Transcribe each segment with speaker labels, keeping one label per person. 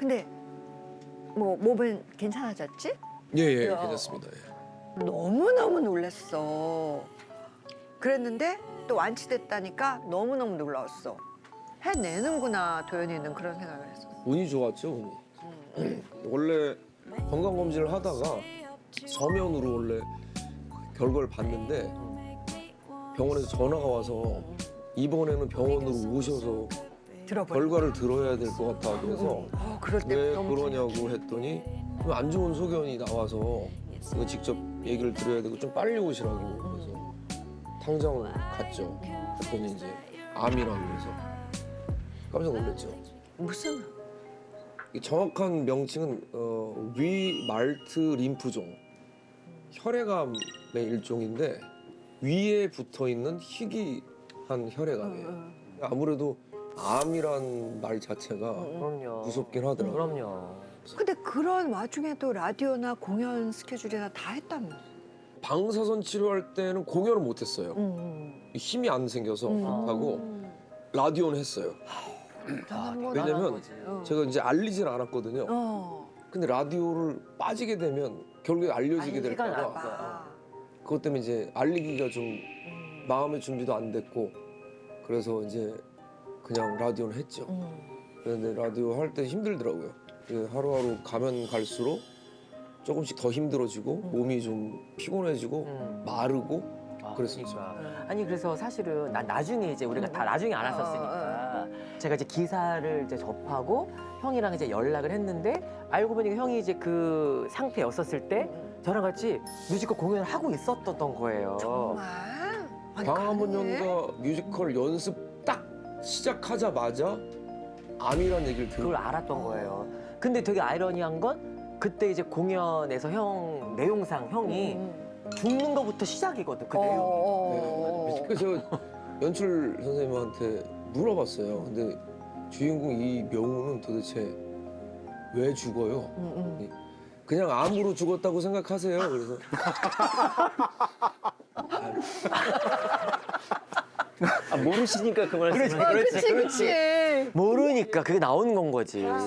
Speaker 1: 근데 뭐 몸은 괜찮아졌지?
Speaker 2: 예예
Speaker 1: 야.
Speaker 2: 괜찮습니다. 예.
Speaker 1: 너무너무 놀랐어. 그랬는데 또 완치됐다니까 너무너무 놀라웠어. 해내는구나 도연이는 그런 생각을 했어.
Speaker 2: 운이 좋았죠 운이. 원래 건강 검진을 하다가 서면으로 원래 결과를 봤는데 병원에서 전화가 와서 이번에는 병원으로 오셔서
Speaker 1: 들어보니.
Speaker 2: 결과를 들어야 될 것 같다 그래서
Speaker 1: 그럴 때
Speaker 2: 왜
Speaker 1: 너무
Speaker 2: 그러냐고 했더니 안 좋은 소견이 나와서 이거 직접 얘기를 드려야 되고 좀 빨리 오시라고 그래서 당장 갔죠. 그랬더니 이제 암이라고 해서 깜짝 놀랐죠.
Speaker 1: 무슨
Speaker 2: 이 정확한 명칭은 위말트 림프종 혈액암의 일종인데 위에 붙어 있는 희귀한 혈액암이에요. 아무래도 암이란 말 자체가
Speaker 3: 그럼요.
Speaker 2: 무섭긴 하더라고요.
Speaker 3: 그럼요.
Speaker 1: 근데 그런 와중에도 라디오나 공연 스케줄이나 다 했다며.
Speaker 2: 방사선 치료할 때는 공연을 못 했어요. 힘이 안 생겨서 하고 라디오는 했어요. 왜냐면 제가 이제 알리진 않았거든요. 근데 라디오를 빠지게 되면 결국에 알려지게 될까 봐 그것 때문에 이제 알리기가 좀 마음의 준비도 안 됐고 그래서 이제 그냥 라디오는 했죠. 그런데 라디오 할 때 힘들더라고요. 하루하루 가면 갈수록 조금씩 더 힘들어지고 몸이 좀 피곤해지고 마르고 그랬었죠.
Speaker 3: 그러니까. 아니 그래서 사실은 난 나중에 이제 우리가 다 나중에 알았었으니까 제가 이제 기사를 이제 접하고 형이랑 이제 연락을 했는데 알고 보니까 형이 이제 그 상태였었을 때 저랑 같이 뮤지컬 공연을 하고 있었던 거예요.
Speaker 1: 정말? 아니,
Speaker 2: 방한번
Speaker 1: 가능해?
Speaker 2: 연가 뮤지컬 연습 딱 시작하자마자 암이란 얘기를
Speaker 3: 그걸
Speaker 2: 들고
Speaker 3: 알았던 거예요. 근데 되게 아이러니한 건 그때 이제 공연에서 형 내용상 형이 죽는 거부터 시작이거든 그 내용.
Speaker 2: 그래서 제가 연출 선생님한테 물어봤어요. 근데 주인공 이 명우는 도대체 왜 죽어요? 그냥 암으로 죽었다고 생각하세요. 그래서
Speaker 3: 아, 모르시니까 그 말씀.
Speaker 1: 그치.
Speaker 3: 모르니까 그게 나오는 건 거지.
Speaker 1: 와.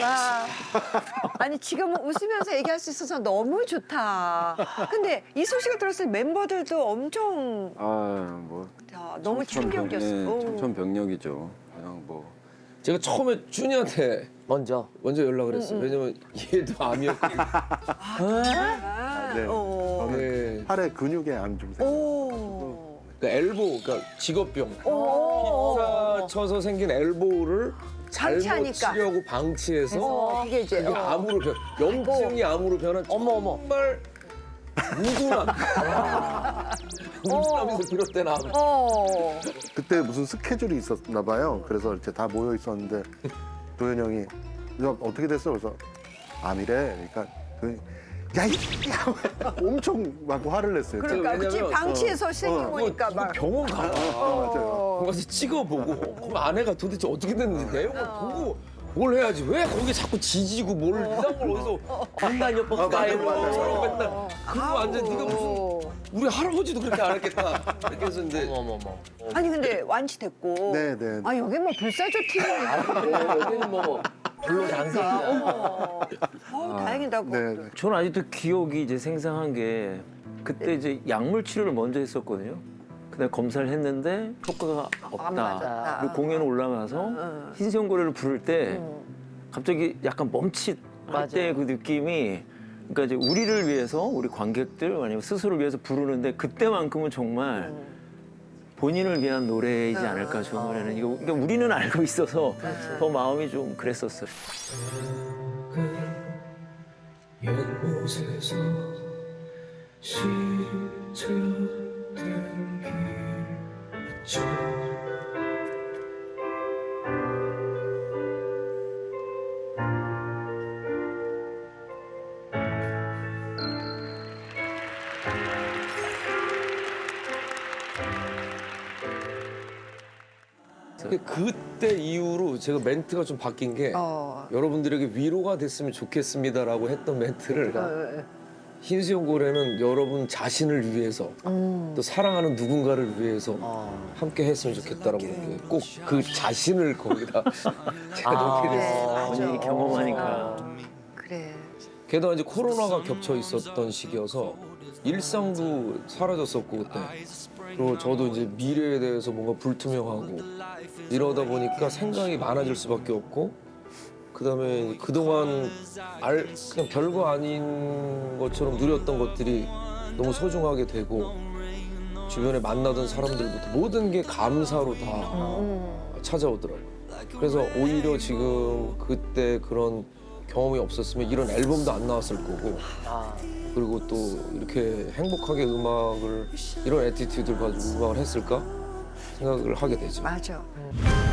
Speaker 1: 아니 지금은 웃으면서 얘기할 수 있어서 너무 좋다. 근데 이 소식을 들었을 때 멤버들도 엄청
Speaker 4: 뭐
Speaker 1: 너무 충격이었어.
Speaker 4: 청천벽력이죠. 그냥 뭐
Speaker 2: 제가 처음에 준이한테
Speaker 3: 먼저.
Speaker 2: 연락을 했어요. 왜냐면 얘도 암이었거든요.
Speaker 4: 네.
Speaker 2: 네.
Speaker 4: 팔에 근육에 암 증상.
Speaker 2: 그러니까 엘보, 그러니까 직업병.
Speaker 1: 오.
Speaker 2: 기타 쳐서 생긴 엘보를 잘못
Speaker 1: 방치하니까.
Speaker 2: 치려고 방치해서
Speaker 1: 그게 이제
Speaker 2: 그게 암으로 염증이 암으로 변한
Speaker 3: 어머.
Speaker 2: 정말 무둔함. 무둔함에서 비롯된 암.
Speaker 4: 그때 무슨 스케줄이 있었나 봐요. 그래서 이렇게 다 모여 있었는데 도현 형이 야, 어떻게 됐어? 그래서 암이래. 그러니까 야이 엄청 막 화를 냈어요.
Speaker 1: 그러니까 그치
Speaker 2: 왜냐면,
Speaker 1: 방치해서 생긴 거니까
Speaker 2: 이거
Speaker 1: 막.
Speaker 2: 병원 가라.
Speaker 4: 맞아요.
Speaker 2: 가서 찍어보고 그럼 아내가 도대체 어떻게 됐는지 내용을 보고 뭘 해야지 왜 거기 자꾸 지지고 뭘 이상한 걸 어디서
Speaker 3: 간단요법 스타일로.
Speaker 2: 저런 맨날 그거 완전 네가 무슨 우리 할아버지도 그렇게 안 했겠다 이렇게 해서 이제
Speaker 3: 어머.
Speaker 1: 아니 근데 완치됐고.
Speaker 4: 네.
Speaker 1: 아 여기 뭐 불사조 팀이야.
Speaker 3: 여기는 뭐 별로 장색이야.
Speaker 1: 다행이다.
Speaker 4: 네.
Speaker 5: 저는 아직도 기억이 이제 생생한 게 그때 이제 약물 치료를 먼저 했었거든요. 그다음에 검사를 했는데 효과가 없다.
Speaker 1: 맞았다.
Speaker 5: 그리고 공연 올라가서 흰수염고래를 부를 때 갑자기 약간 멈칫 할 때 그 느낌이 그러니까 이제 우리를 위해서 우리 관객들 아니면 스스로를 위해서 부르는데 그때만큼은 정말 본인을 위한 노래이지 않을까 저 노래는 이거 그러니까 우리는 알고 있어서 더 마음이 좀 그랬었어요.
Speaker 6: 연못에서 시작된 길
Speaker 2: 근데 그때 이후로 제가 멘트가 좀 바뀐 게 여러분들에게 위로가 됐으면 좋겠습니다라고 했던 멘트를 흰수염 고래는 여러분 자신을 위해서 또 사랑하는 누군가를 위해서 함께 했으면 좋겠다라고 이렇게 꼭 그 자신을 거기다 제가 넣게 됐어요.
Speaker 1: 맞아.
Speaker 5: 본인이 경험하니까.
Speaker 1: 그래.
Speaker 2: 게다가 이제 코로나가 겹쳐 있었던 시기여서 일상도 사라졌었고 그때 그리고 저도 이제 미래에 대해서 뭔가 불투명하고 이러다 보니까 생각이 많아질 수밖에 없고 그다음에 그동안 그냥 별거 아닌 것처럼 누렸던 것들이 너무 소중하게 되고 주변에 만나던 사람들부터 모든 게 감사로 다 찾아오더라고요. 그래서 오히려 지금 그때 그런 경험이 없었으면 이런 앨범도 안 나왔을 거고 그리고 또 이렇게 행복하게 이런 애티튜드를 가지고 음악을 했을까 생각을 하게 되죠.
Speaker 1: 맞아.